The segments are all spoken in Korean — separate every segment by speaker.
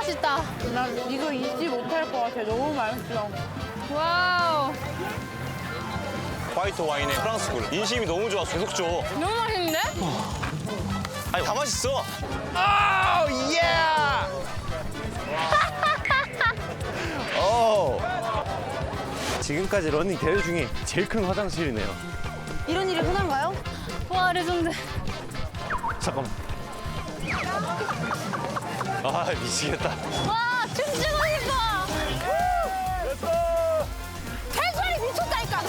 Speaker 1: 맛있다.
Speaker 2: 난 이거 잊지 못할 것 같아. 너무 맛있어.
Speaker 1: 와우.
Speaker 3: 화이트 와인에 프랑스 굴. 인심이 너무 좋아서 계속 줘.
Speaker 1: 너무 맛있는데?
Speaker 3: 아니, 다 맛있어.
Speaker 4: 오, 예! 오. 지금까지 러닝 대회 중에 제일 큰 화장실이네요.
Speaker 2: 이런 일이 흔한가요?
Speaker 1: 와, 레전드.
Speaker 4: 잠깐만.
Speaker 3: 아, 미치겠다.
Speaker 1: 와, 춤추고 싶어.
Speaker 2: 해수이 미쳤다니까.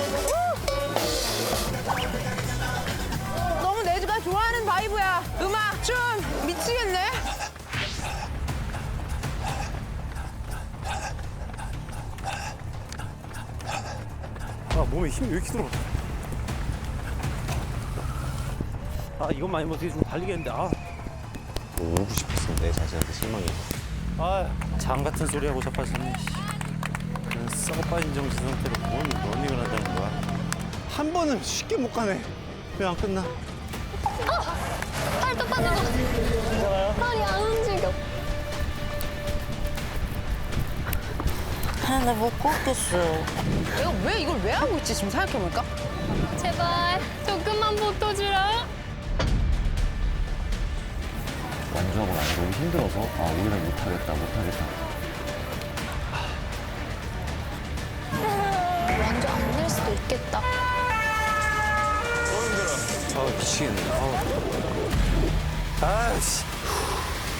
Speaker 2: 너무 내가 좋아하는 바이브야. 음악, 춤 미치겠네.
Speaker 4: 아, 몸에 힘이 왜 이렇게 들어? 아, 이것만 아니면 어떻게 좀 달리겠는데. 아,
Speaker 3: 울고 싶었어, 내 자신한테 실망해.
Speaker 4: 아, 장 같은 소리 하고 자빠졌네. 그냥 썩어 빠진 정신 상태로 뭔 러닝을 한다는 거야? 한 번은 쉽게 못 가네. 왜 안 끝나?
Speaker 1: 팔 똑바로. 팔이 안 움직여.
Speaker 5: 아, 나 못 걷겠어.
Speaker 2: 내가 왜 이걸 왜 하고 있지 지금 생각해보니까?
Speaker 1: 제발 조금만 붙어주라.
Speaker 3: 완주하고 나서 너무 힘들어서, 아, 오히려 못하겠다.
Speaker 1: 완전 안 될 수도 있겠다.
Speaker 3: 너무 힘들어.
Speaker 4: 아, 미치겠네. 아, 씨.